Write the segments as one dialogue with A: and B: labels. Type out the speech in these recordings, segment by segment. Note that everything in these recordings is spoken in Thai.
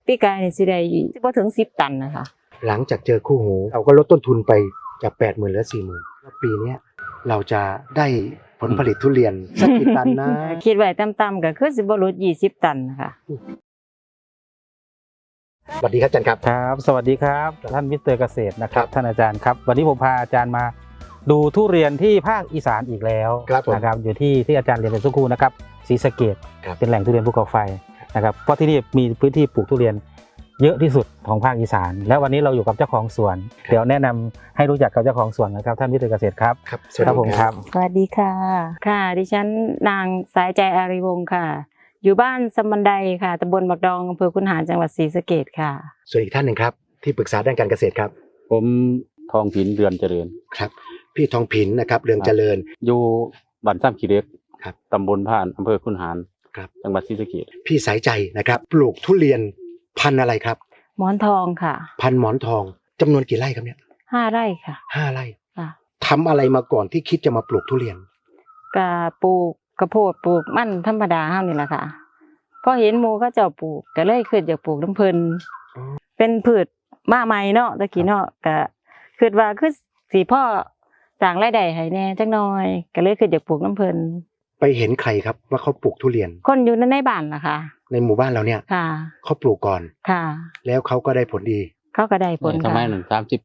A: ปีกายนี่สิได้บ่ถึง10 ตันนะคะ
B: หลังจากเจอคู่หูเราก็ลดต้นทุนไปจาก 80,000 เหลือ 40,000 แล้วปีนี้เราจะได้ผลผลิตทุเรียนสักกี่ตันนะ
A: คิดไว้ต่ำๆก็คือสิบ่ลด20 ตันค่ะ
B: สวัสดีครับอาจารย์ครับ
C: ครับสวัสดีครับท่านมิสเตอร์เกษตรนะครับท่านอาจารย์ครับวันนี้ผมพาอาจารย์มาดูทุเรียนที่ภาคอีสานอีกแล้วนะครับอยู่ที่อาจารย์เรียนเป็นสักครู่นะครับศรีสะเกษเป็นแหล่งทุเรียนภูเขาไฟนะครับเพราะที่นี่มีพื้นที่ปลูกทุเรียนเยอะที่สุดของภาคอีสานแล้ววันนี้เราอยู่กับเจ้าของสวนเดี๋ยวแนะนำให้รู้จักกับเจ้าของสวนนะครับท่านมิสเตอร์เกษตรครับ
B: ครับสวัสดี
C: ผมครับ
A: สวัสดีค่ะค่ะดิฉันนางสายใจอารีวงศ์ค่ะอยู่บ้านสมบันไดค่ะตำบลบักดองอำเภอคุนหารจังหวัดศรีสะเกษค่ะ
B: ส่วนอีกท่านหนึ่งครับที่ปรึกษาด้านการเกษตรครับ
D: ผมทองผินเรือนเจริญ
B: ครับพี่ทองผินนะครับเรืองเจริญ
D: อยู่บ้านซ้ำขี้เหล็ก
B: ครับ
D: ตำบลผ่านอำเภอคุนหาร
B: ครับ
D: จังหวัดศรีสะเกษ
B: พี่สายใจนะครับปลูกทุเรียนพันธุ์อะไรครับ
A: หมอนทองค่ะ
B: พันธุ์หมอนทองจำนวนกี่ไร่ครับเนี่ย
A: 5 ไร่ค่ะ
B: 5 ไร่
A: ค่ะ
B: ทำอะไรมาก่อนที่คิดจะมาปลูกทุเรียน
A: ก็ปลูกกระโพดปลูกมันธรรมดาเฮานี่แหละค่ะพอเห็นหมู่เขาเจ้าปลูกก็เลยคิดอยากปลูกน้ำเพิ่นเป็นพืชมาใหม่เนาะตะกี้เนาะก็คิดว่าคือสิพ่อสร้างรายได้ให้แน่จักหน่อยก็เลยคิดอยากปลูกน้ำเพิ่น
B: ไปเห็นใครครับว่าเขาปลูกทุเรียน
A: คนอยู่ในบ้านล่ะค่ะ
B: ในหมู่บ้านเราเนี่ย
A: ค่ะ
B: เขาปลูกก่อน
A: ค่ะ
B: แล้วเขาก็ได้ผลดี
A: เขาก็ได้ผล
D: ค่ะสมัยนั้น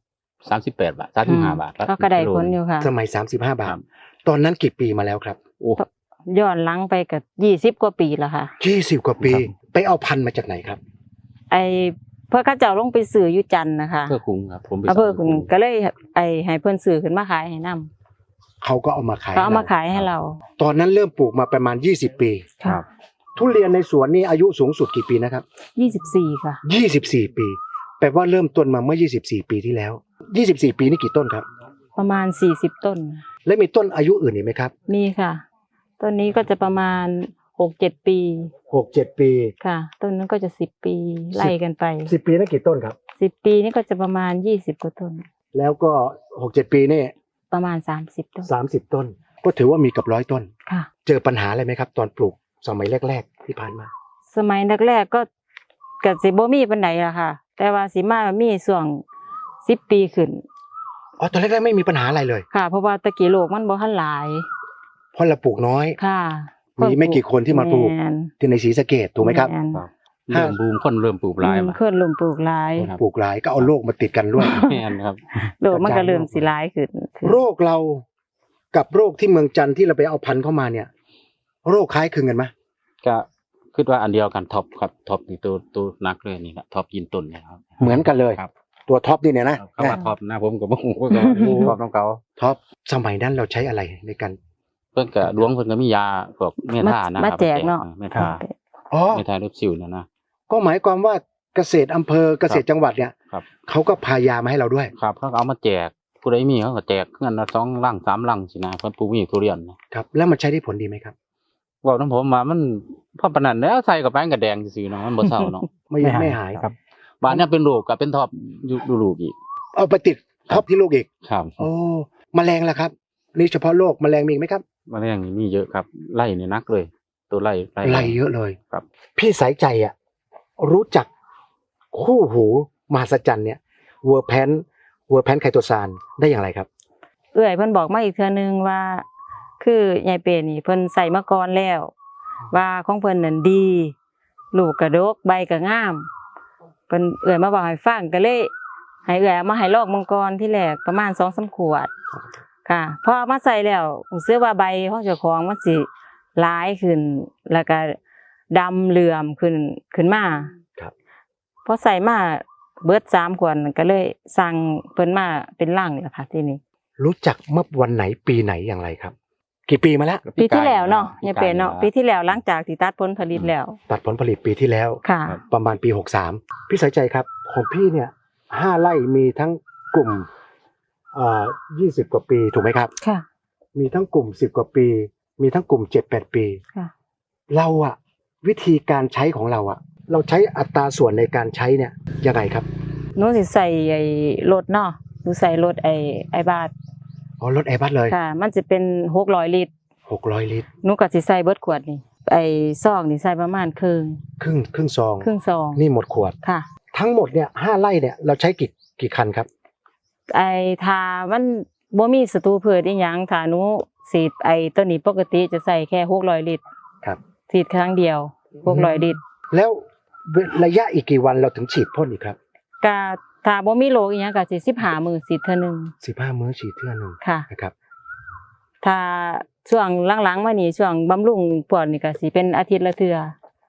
D: 38 บาท35 บาท
A: เขาก็ได้ผลอยู่ค่ะ
B: สมัย35 บาทตอนนั้นกี่ปีมาแล้วครับ
D: โอ้
A: ย้อนหลังไปกับ20 กว่าปีแล้วค่ะ
B: 20 กว่าปีไปเอาพันธุ์มาจากไหนครับ
A: เพื่อเขาเจ้าลงไปซื้ออยู่จันทน์นะคะ
D: เพื่อคุ้งครับผมไป
A: เพื่อคุ้งก็เลยให้เพิ่นซื้อขึ้นมาขายให้นำ
B: เขาก็เอามาขาย
A: ให้เรา
B: ตอนนั้นเริ่มปลูกมาประมาณ20 ปี
A: ครับ
B: ทุเรียนในสวนนี่อายุสูงสุดกี่ปีนะครับ
A: 24ค่ะ
B: 24 ปีแปลว่าเริ่มต้นมาเมื่อ24 ปีที่แล้ว24 ปีนี่กี่ต้นครับ
A: ประมาณ40 ต้น
B: แล้วมีต้นอายุอื่นอีกไหมครับ
A: มีค่ะต้นนี้ก็จะประมาณ 6-7 ปี
B: 6-7 ปี
A: ค่ะต้นนั้นก็จะ10 ปีไล่กันไป
B: 10 ปีนั่นกี่ต้นครับ
A: 10 ปีนี่ก็จะประมาณ20 กว่าต้น
B: แล้วก็ 6-7 ปีนี่
A: ประมาณ30 ต้น
B: 30 ต้นก็ถือว่ามีกับ100 ต้น
A: ค่ะ
B: เจอปัญหาอะไรไหมครับตอนปลูกสมัยแรกๆที่ผ่านมา
A: สมัยแรกๆก็สิบ่มีปานใดล่ะค่ะแต่ว่าสิมามีช่วง10 ปีขึ้น
B: อ๋อตอนแรกๆไม่มีปัญหาอะไรเลย
A: ค่ะเพราะว่าตะกี้โลกมันบ่ทันหลาย
B: เพราะเราปลูกน้อย
A: ค่ะ
B: มีไม่กี่คนที่มาปลูกที่ในศรีสะเกษถูกไหมครับ
D: เริ่มบูมคนเริ่มปลูกหลาย
A: คนเริ่มปลูกหลาย
B: ก็เอาโรคมาติดกันด้วย
D: แม่นครับ
A: โรคมันก็เริ่มสิหลายขึ้น
B: โรคเรากับโรคที่เมืองจันทร์ที่เราไปเอาพันธุ์เข้ามาเนี่ยโรคคล้ายคลึงกันไหม
D: ก็คิดว่าอันเดียวกันท็อปครับท็อปนี่ตัวนักเลยนี่แหละท็อปยินต้นนะครับ
B: เหมือนกันเลย
D: ครับ
B: ตัวท็อปนี่เนี่ยนะ
D: เขาว่าท็อปนะผมก็บ่ฮู้ว่าท็อปของเขา
B: ท็อปสมัยนั้นเราใช้อะไรในการ
D: เพิ่นก็ดวงเพิ่นก็มียาพวกเมทานะครับ
A: มาแจกเนาะ
D: เมทาลูกซิวเนี่ยนะ
B: ก็หมายความว่าเกษตรอำเภอเกษตรจังหวัดเนี่ยเขาก็พายามาให้เราด้วย
D: ครับเขาเอามาแจกผู้ใดมีเขาก็แจกเงินละ2 ลัง 3 ลังสินะเพิ่นปลูกมีทุเรียน
B: ครับแล้วมันใช้ได้ผลดีไหมครับ
D: ว่าน้ำผมมามันพอปานนั้นแล้วใส่กับแป้งกับแดงซื่อๆเนาะมันบ่เศร้าเนาะ
B: ไม่หายครับ
D: บ้านเนี่ยเป็นลูกกับเป็นท็อปอยู่ลูกอีก
B: เอาไปติดท็อปที่ลูกอีก
D: ครับ
B: โอ้แมลงล่ะครับนี่เฉพาะโรคแมลงมีอีกไหมครับ
D: แมลงมีเยอะครับไล่เนี่ยนักเลยตัวไล่
B: เยอะเลย
D: ครับ
B: พี่สายใจอ่ะรู้จักคู่หูมหัศจรรย์เนี่ยเวอร์แพนไคโตซานได้อย่างไรครับ
A: เอื้อยเพิ่นบอกมาอีกเทื่อนึงว่าคือยายเปนี่เพิ่นใส่มาก่อนแล้วว่าของเพิ่นนั่นดีลูกกระดกใบก็งามเพิ่นเอื้อยมาบอกให้ฟังก็เลยให้เอื้อยมาให้ลอกมังกรที่แรกประมาณ 2-3 ขวดค่ะพอมาใส่แล้วรู้สึกว่าใบของเจ้าของมันสิหลายขึ้นแล้วก็ดำเหลื่อมขึ้นมา
B: ครับ
A: พอใส่มาเบิด3 ขวดก็เลยสั่งเพิ่นมาเป็นลังแล้วค่ะทีนี้
B: รู้จักเมื่อวันไหนปีไหนอย่างไรครับกี่ปีมาแล้ว
A: ปีที่แล้วเนาะยังเป็นเนาะปีที่แล้วหลังจากที่ตัดผลผลิตแล้ว
B: ตัดผลผลิตปีที่แล้ว
A: ค่ะ
B: ประมาณปี63พี่สายใจครับของพี่เนี่ย5 ไร่มีทั้งกลุ่ม20 กว่าปีถูกไหมครับ
A: ค่ะ
B: มีทั้งกลุ่ม10 กว่าปีมีทั้งกลุ่ม7-8 ปี
A: ค่ะ
B: เราอะวิธีการใช้ของเราอะเราใช้อัตราส่วนในการใช้เนี่ยยังไงครับ
A: หนูสิใส่ไอ้รถเนาะหนูใส่รถไอ้บาท
B: รถไอบัสเลย
A: ค่ะมันจะเป็น600 ลิตร
B: 600 ลิตร
A: หนูก็สิใส่เบิดขวดนี่ไอ้ซองนี่ใส่ประมาณครึ่ง
B: ครึ่งซอง
A: ครึ่งซอง
B: นี่หมดขวด
A: ค่ะ
B: ทั้งหมดเนี่ย5 ไร่เนี่ยเราใช้กี่คันครับ
A: ไอ้ทามันบ่มีศัตรูพืชอีหยังถ้าหนูฉีดไอ้ตัวนี้ปกติจะใส่แค่600ลิตร
B: ครับ
A: ฉีดครั้งเดียว600ลิตร
B: แล้วระยะอีกกี่วันเราถึงฉีดพ่นอีกครับ
A: ก็ถ้าบ่มีโรคอีหยังก็สิ15 มื้อฉีดเทื่อนึง
B: 15 มื้อฉีดเทื่อหนึง
A: ค่ะ
B: นะครับ
A: ถ้าช่วงหลังๆมานี่ช่วงบำรุงพวกนี่ก็สิเป็นอาทิตย์ละเทื่อ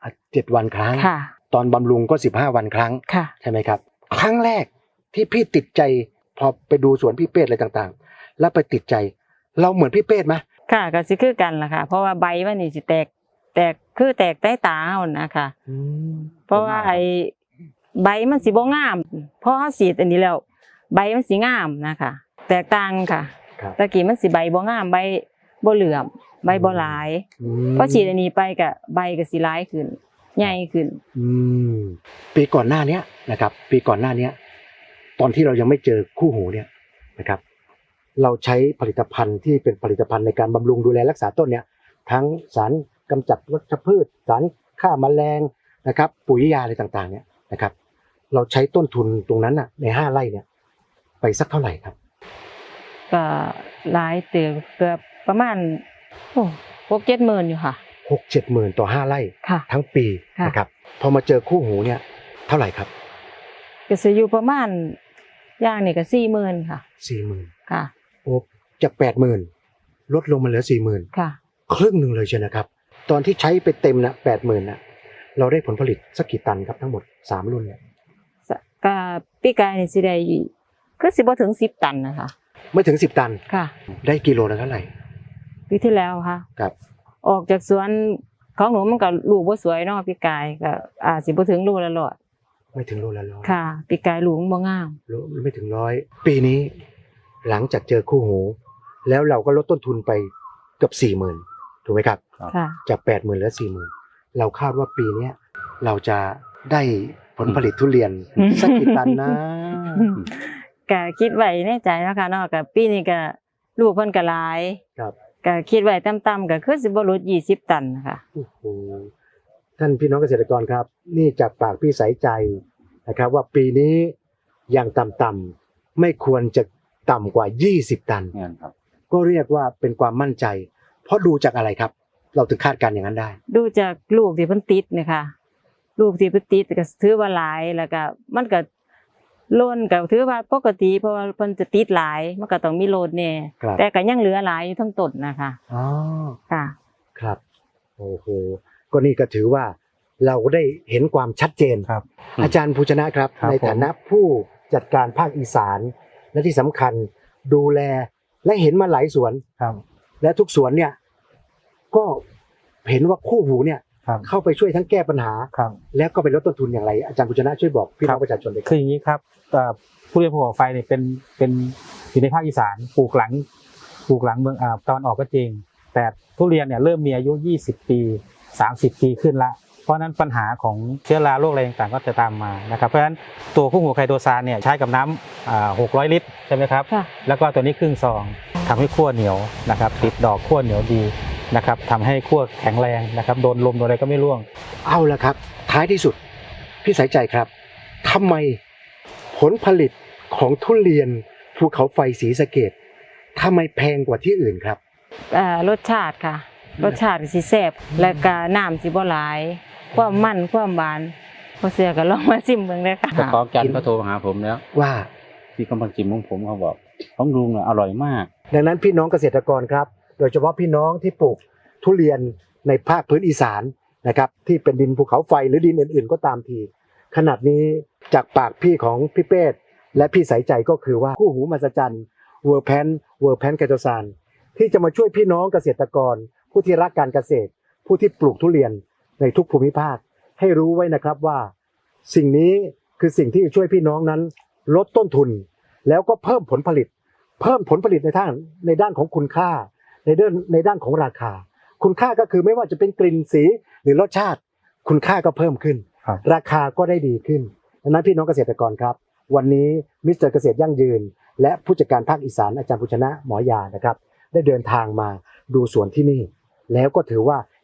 B: 7 วันครั้ง
A: ค่ะ
B: ตอนบำรุงก็15 วันครั้ง
A: ค่ะ
B: ใช่ไหมครับ ครั้งแรกที่พี่ติดใจพอไปดูสวนพี่เป้อะไรต่างๆ แล้วไปติดใจ เราเหมือนพี่เป้ไหม
A: ค่ะก็สิคือกันล่ะค่ะ เพราะว่าใบมันนี่สิแตกคือแตกใต้ตาเฮานะคะ เพราะว่าไอ้ใบมันสิบ่งามพอเฮาฉีดอันนี้แล้วใบมันสิงามนะคะแตกต่างค่ะ
B: ครับ
A: ตะกี้มันสิใบบ่งามใบบ่เหลื่อมใบบ่หลายพอฉีดอันนี้ไปก็ใบก็สิหลายขึ้นใหญ่ขึ้น
B: ปีก่อนหน้าเนี้ยนะครับ ปีก่อนหน้าเนี้ยตอนที่เรายังไม่เจอคู่หูเนี่ยนะครับ เราใช้ผลิตภัณฑ์ที่เป็นผลิตภัณฑ์ในการบำรุงดูแลรักษาต้นเนี่ยทั้งสารกำจัดวัชพืชสารฆ่าแมลงนะครับ ปุ๋ยยาอะไรต่างๆเนี่ยนะครับ เราใช้ต้นทุนตรงนั้นน่ะใน5 ไร่เนี่ยไปสักเท่าไหร่ครับ
A: ก็หลายเติบเกือบประมาณ6-7 หมื่นอยู่ค่ะ
B: 6-7 หมื่นต่อ5 ไร่
A: ค่ะ
B: ทั้งปี
A: ค่ะ
B: นะครับพอมาเจอคู่หูเนี่ยเท่าไหร่ครับ
A: ก็สิอยู่ประมาณอย่างนี่ก็40,000ค่ะ
B: 40,000
A: ค่ะ
B: โอ้จาก 80,000 ลดลงมาเหลือ 40,000
A: ค่ะ
B: ครึ่งหนึ่งเลยใช่นะครับ ตอนที่ใช้ไปเต็มนะ 80,000นะเราได้ผลผลิตสักกี่ตันครับทั้งหมด3 รุ่นเนี่ย
A: ก็ปีกายนี่สิได้คือสิบ่ถึง10 ตันนะคะ
B: ไม่ถึง10 ตัน
A: ค่ะ
B: ได้กิโลละเท่าไหร่
A: ปีที่แล้วค่ะ
B: ครับ
A: ออกจากสวนของหนูมันก็ลูกบ่สวยเนาะปีกายก็สิบ่ถึงลูกละร้อย
B: ไม่ถึงโลละร้อย
A: ค่ะปีกายลูกมันบ่งาม
B: โลไม่ถึง100 ปีนี้หลังจากเจอคู่หู แล้วเราก็ลดต้นทุนไปเกือบ 40,000 ถูกไหมครับ
A: ค่ะ
B: จาก 80,000เหลือ 40,000 เราคาดว่าปีเนี้ยเราจะได้ผลผลิตทุเรียนสักกี่ตันนะ
A: ก็คิดไว้ในใจเนาะค่ะเนาะก็ปีนี้ก็ลูกเพิ่นก็หลาย
B: ครับ
A: ก็คิดไว้ต่ำๆก็คือสิบ่หลุด20 ตันค่ะ
B: โอ้โหท่านพี่น้องเกษตรกรครับ นี่จากปากพี่สายใจนะครับ ว่าปีนี้อย่างต่ำๆไม่ควรจะต่ำกว่า20 ตัน
D: เนี่ยครับ
B: ก็เรียกว่าเป็นความมั่นใจ เพราะดูจากอะไรครับ เราถึงคาดการณ์อย่างนั้นได้
A: ดูจากลูกที่เพิ่นติดเนี่ยค่ะลูกที่เพิ่นติดก็ถือว่าหลายแล้วก็มันก็ล้นก็ถือว่าปกติเพราะว่าเพิ่นจะติดหลายมันก็ต้องมีโลดแน่
B: ครับ
A: แต่ก็ยังเหลือหลายอยู่ทั้งต้นนะคะ
B: อ๋อ
A: ค่ะ
B: ครับโอ้โหก็นี่ก็ถือว่าเราได้เห็นความชัดเจน
C: ครับ
B: อาจารย์ภูชนะครับ
C: ครับ
B: ในฐานะผู้จัดการภาคอีสาน และที่สำคัญดูแลและเห็นมาหลายสวน
C: ครับ
B: และทุกสวนเนี่ยก็เห็นว่าคู่หูเนี่ย
C: ครับ
B: เข้าไปช่วยทั้งแก้ปัญหา
C: ครับ
B: แล้วก็ไปลดต้นทุนอย่างไร อาจารย์ภูชนะช่วยบอกพี่น้องประชาชนเลยค
C: คื
B: รับ
C: ออย่างนี้ครับผู้เรียนภูเขาไฟเนี่ยเป็นอยู่ในภาคอีสานปลูกหลังเมืองตอนออกก็จริง แต่ทุเรียนเนี่ยเริ่มมีอายุ20 ปี30 ปีขึ้นละเพราะฉะนั้นปัญหาของเชื้อราโรคอะไรต่างๆก็จะตามมานะครับเพราะฉะนั้นตัวคู่หูไคโดซานเนี่ยใช้กับน้ำ600 ลิตรใช่ไหมครับ
A: ค่ะ
C: แล้วก็ตัวนี้ครึ่งซองทำให้ขั้วเหนียวนะครับติดดอกขั้วเหนียวดีนะครับทำให้ขั้วแข็งแรงนะครับโดนลมโดนอะไรก็ไม่ร่วง
B: เอาละครับ ท้ายที่สุดพี่สายใจครับทำไมผลผลิตของทุเรียนภูเขาไฟศรีสะเกษทำไมแพงกว่าที่อื่นครับ
A: รสชาติค่ะ รสชาติสิแซ่บแล้วก็น้ำสิบ่หลาย ความมันความหวานพอเสือก็ลองมาชิมเบิ่งเด้อค่ะ
D: เจ้าของจันทร์ก็โทรหาผมแล้ว
B: ว่า
D: ที่กำลังจิมของผมเขาบอกของลุงเนี่ยอร่อยมาก
B: ดังนั้นพี่น้องเกษตรกรครับ โดยเฉพาะพี่น้องที่ปลูกทุเรียนในภาคพื้นอีสานนะครับที่เป็นดินภูเขาไฟหรือดินอื่นๆก็ตามทีขนาดนี้จากปากพี่ของพี่เป้และพี่สายใจก็คือว่าคู่หูมหัศจรรย์เวอร์แพนไคโตซานที่จะมาช่วยพี่น้องเกษตรกร ผู้ที่รักการเกษตร ผู้ที่ปลูกทุเรียนในทุกภูมิภาคให้รู้ไว้นะครับว่า สิ่งนี้คือสิ่งที่จะช่วยพี่น้องนั้นลดต้นทุน แล้วก็เพิ่มผลผลิตในด้านของคุณค่าในด้านของราคา คุณค่าก็คือไม่ว่าจะเป็นกลิ่นสีหรือรสชาติ คุณค่าก็เพิ่มขึ้น
C: ครับ
B: ราคาก็ได้ดีขึ้นดังนั้นพี่น้องเกษตรกรครับ วันนี้มิสเตอร์เกษตรยั่งยืน และผู้จัดการภาคอีสานอาจารย์ภูชนะหมอยานะครับ ได้เดินทางมาดูสวนที่นี่ แล้วก็ถือว่า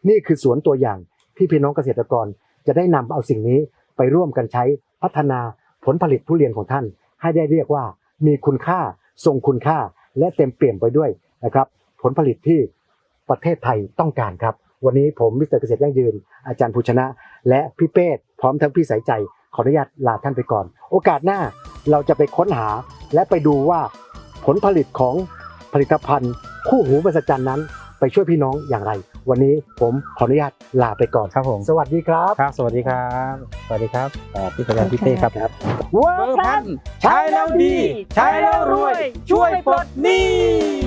B: นี่คือสวนตัวอย่างที่พี่น้องเกษตรกรจะได้นำเอาสิ่งนี้ไปร่วมกันใช้พัฒนาผลผลิตทุเรียนของท่านให้ได้เรียกว่ามีคุณค่าทรงคุณค่าและเต็มเปี่ยมไปด้วยนะครับผลผลิตที่ประเทศไทยต้องการครับวันนี้ผมมิสเตอร์เกษตรยั่งยืนอาจารย์ภูชนะ และพี่เป้พร้อมทั้งพี่สายใจขออนุญาตลาท่านไปก่อนโอกาสหน้าเราจะไปค้นหาและไปดูว่าผลผลิตของผลิตภัณฑ์คู่หูมหัศจรรย์นั้นไปช่วยพี่น้องอย่างไร วันนี้ผมขออนุญาตลาไปก่อน
C: ครับผม
B: สวัสดีครับ
C: ครับ สวัสดีครับ สวัสดีครับพี่อาจารย์พี่เต้ครับ
B: เวิร์
C: เวิร์
B: ค
C: ก
B: พลั
C: พั
B: ส
C: นใช้แล้วดี ใช้แล้วรวย ช่วยปลดหนี้